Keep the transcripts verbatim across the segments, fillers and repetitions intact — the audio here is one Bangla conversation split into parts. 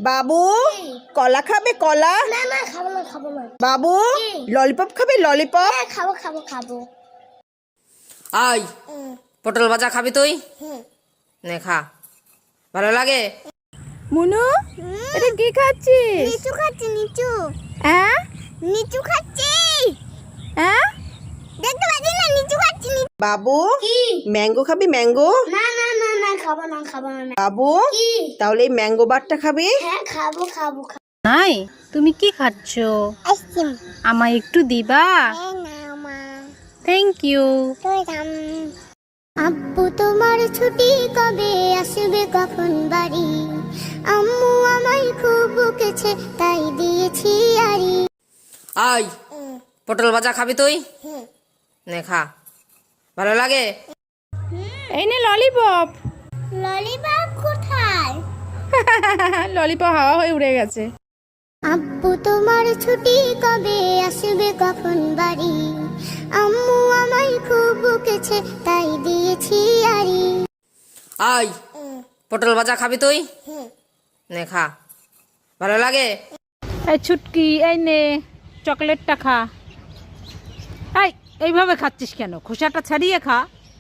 বাবু কলা খাবে কলা? না না খাবো না খাবো না। বাবু ললিপপ খাবে ললিপপ? হ্যাঁ খাবো খাবো খাবো। আই পটল ভাজা খাবি তুই? নে খা, ভালো লাগে? মুনু এটা কি খাচ্ছিস? নিচু খাচ্ছি নিচু। হ্যাঁ নিচু খাচ্ছি। হ্যাঁ দেখতে পাচ্ছি না নিচু খাচ্ছি। বাবু কি? ম্যাঙ্গো খাবি ম্যাঙ্গো? না না না না খাবো না খাবো না। বাবু কি? তাহলে এই ম্যাঙ্গো বারটা খাবি? হ্যাঁ খাবো খাবো খাবো। নাই তুমি কি খাচ্ছ? আইসক্রিম। আমায় একটু দিবা? হ্যাঁ না মা। Thank you. তুই থাম। আব্বু তোমার ছুটি কবে আসবে কখন বাড়ি? আম্মু আমায় খুব বকেছে তাই দিয়েছি আরি। আই পটল ভাজা খাবি তুই? নে খা, ভালো লাগে? এই নে ললিপপ। ললিপপ কোথায়? ললিপপ হাওয়া হয়ে উড়ে গেছে। আব্বু তোমার ছুটি কবে আসবে কখন বাড়ি? আম্মু আমায় খুব বকেছে তাই দিয়েছি আরি। আই পটল ভাজা খাবি তুই? নে খা, ভালো লাগে? এই ছুটকি এই নে চকলেটটা খা। এই এইভাবে খাচ্ছিস কেন? খোসাটা ছাড়িয়ে খা।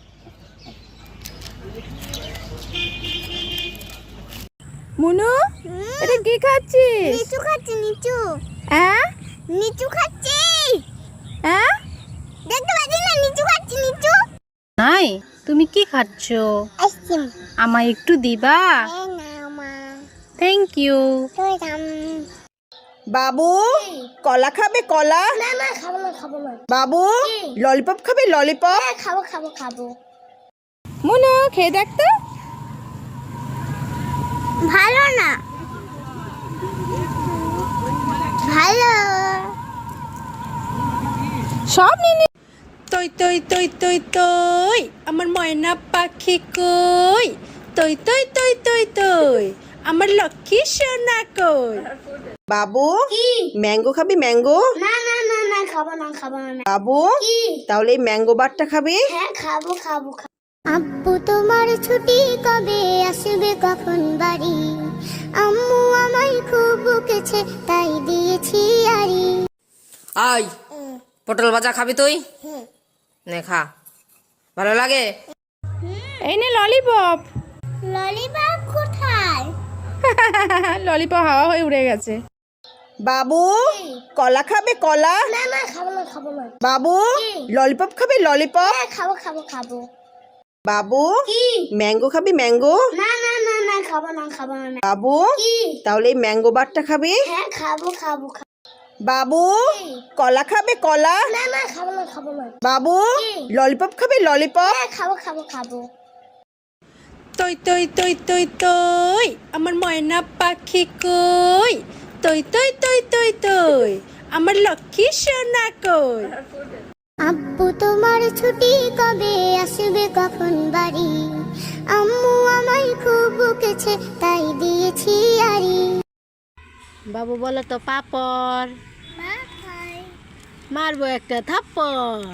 মুনু এটা কি খাচ্ছিস? নিচু খাচ্ছি নিচু। হ্যাঁ নিচু খাচ্ছি। হ্যাঁ দেখতে পাচ্ছি না নিচু খাচ্ছি নিচু। নাই তুমি কি খাচ্ছ? আইসক্রিম। আমায় একটু দিবা? হ্যাঁ না মা। Thank you. তুই থাম। বাবু কলা খাবে কলা? না না খাবো না খাবো না। বাবু ললিপপ খাবে ললিপপ? হ্যাঁ খাবো খাবো খাবো। মুনু খেয়ে দেখ তো। ভালো না। ভালো। সব নিয়ে তই তই তই তই তই আমার ময়না পাখি কই? তই তই তই তই তই আমার লক্ষ্মী সোনা কই? বাবু কি? ম্যাঙ্গো খাবি ম্যাঙ্গো? না না না না খাবো না খাবো না। বাবু কি? তাহলে এই ম্যাঙ্গো বারটা খাবি? হ্যাঁ খাবো খাবো খাবো। আব্বু তোমার ছুটি কবে আসবে কখন বাড়ি? আম্মু আমায় খুব বকেছে তাই দিয়েছি আরি। আই পটল ভাজা খাবি তুই? নে খা, ভালো লাগে? এই নে ললিপপ। ললিপপ কোথায়? ললিপপ হাওয়া হয়ে উড়ে গেছে। বাবু কলা খাবে কলা? না না খাবো না খাবো না। বাবু ললিপপ খাবে ললিপপ? হ্যাঁ খাবো খাবো খাবো। বাবু কি? ম্যাঙ্গো খাবি ম্যাঙ্গো? না না না না খাবো না খাবো না। বাবু কি? তাহলে এই ম্যাঙ্গো বারটা খাবি? হ্যাঁ খাবো খাবো খাবো। বাবু কলা খাবে কলা? না না খাবো না খাবো না। বাবু ললিপপ খাবে ললিপপ? হ্যাঁ খাবো খাবো খাবো। তই তই তই তই তই আমার ময়না পাখি কই? তই তই তই তই তই আমার লক্ষ্মী সোনা কই? আব্বু তোমার ছুটি কবে আসবে কখন বাড়ি? আম্মু আমায় খুব বকেছে তাই দিয়েছি আরি। বাবু বলো তো পাপড়। মারবো একটা থাপ্পড়।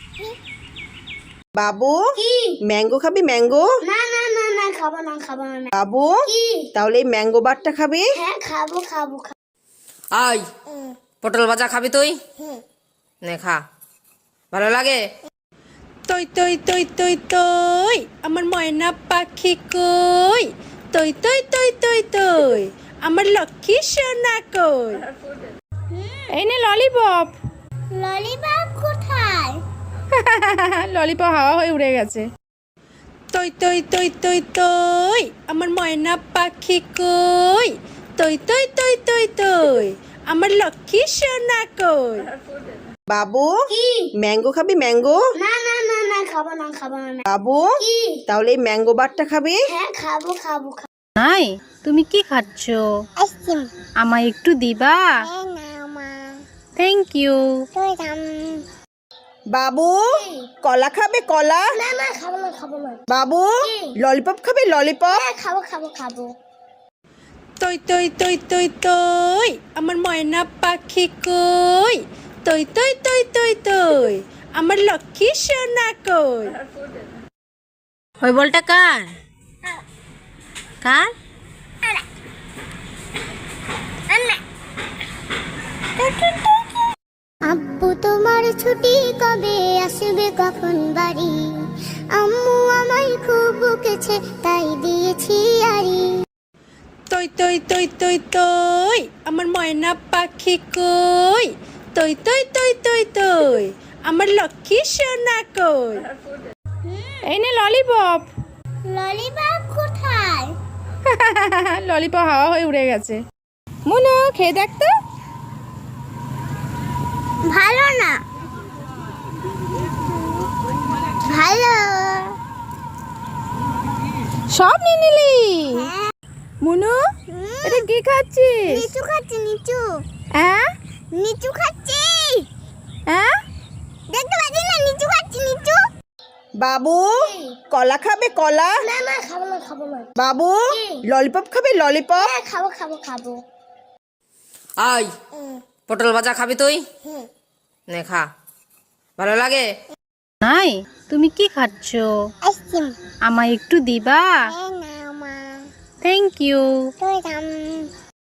বাবু কি? ম্যাঙ্গো খাবি ম্যাঙ্গো? না না না না খাবো না খাবো না। বাবু কি? তাহলে এই ম্যাঙ্গো বারটা খাবি? হ্যাঁ খাবো খাবো খাবো। আই পটল ভাজা খাবি তুই? নে খা, ভালো লাগে? তই তই তই তই তই আমার ময়না পাখি কই? তই তই তই তই তই আমার লক্ষ্মী সোনা কই? এই নে ললিপপ। ললিপপ কোথায়? ললিপপ হাওয়া হয়ে উড়ে গেছে। তই তই তই তই তই আমার ময়না পাখি কই? তই তই তই তই তই আমার লক্ষ্মী সোনা কই? বাবু কি? ম্যাঙ্গো খাবি ম্যাঙ্গো? না না না না খাবো না খাবো না। বাবু কি? তাহলে এই ম্যাঙ্গো বারটা খাবি? হ্যাঁ খাবো খাবো খাবো। নাই তুমি কি খাচ্ছ? আইসক্রিম। আমায় একটু দিবা? হ্যাঁ না মা। Thank you. তুই থাম। বাবু কলা খাবে কলা? না না খাবো না খাবো না। বাবু ললিপপ খাবে ললিপপ? হ্যাঁ খাবো খাবো খাবো। তই তই তই তই তই আমার ময়না পাখি কই? তই তই তই তই তই আমার লক্ষ্মী সোনা কই? ওই বলটা কার? কার? আব্বু তোমার ছুটি কবে আসবে কখন বাড়ি আম্মু আমায় খুব বকেছে তাই দিয়েছি আরি তই তই তই তই তই আমার ময়না পাখি কই তই তই তই তই তই আমার লক্ষ্মী সোনা কই এই নে ললিপপ ললিপপ কোথায় ললিপপ হাওয়া হয়ে উড়ে গেছে মুনু খেয়ে দেখ তো ভালো না ভালো সব নিয়ে নিলি মুনু এটা কি খাচ্ছিস নিচু খাচ্ছি নিচু হ্যাঁ নিচু খাচ্ছি হ্যাঁ দেখতে পাচ্ছি না নিচু খাচ্ছি নিচু বাবু কলা খাবে কলা না না খাবো না খাবো না বাবু ললিপপ খাবে ললিপপ হ্যাঁ, খাবো খাবো খাবো আয় পটল ভাজা খাবি তুই নে খা ভালো লাগে নাই তুমি কি খাচ্ছ আইসক্রিম আমায় একটু দিবা হ্যাঁ না মা থ্যাংক ইউ তো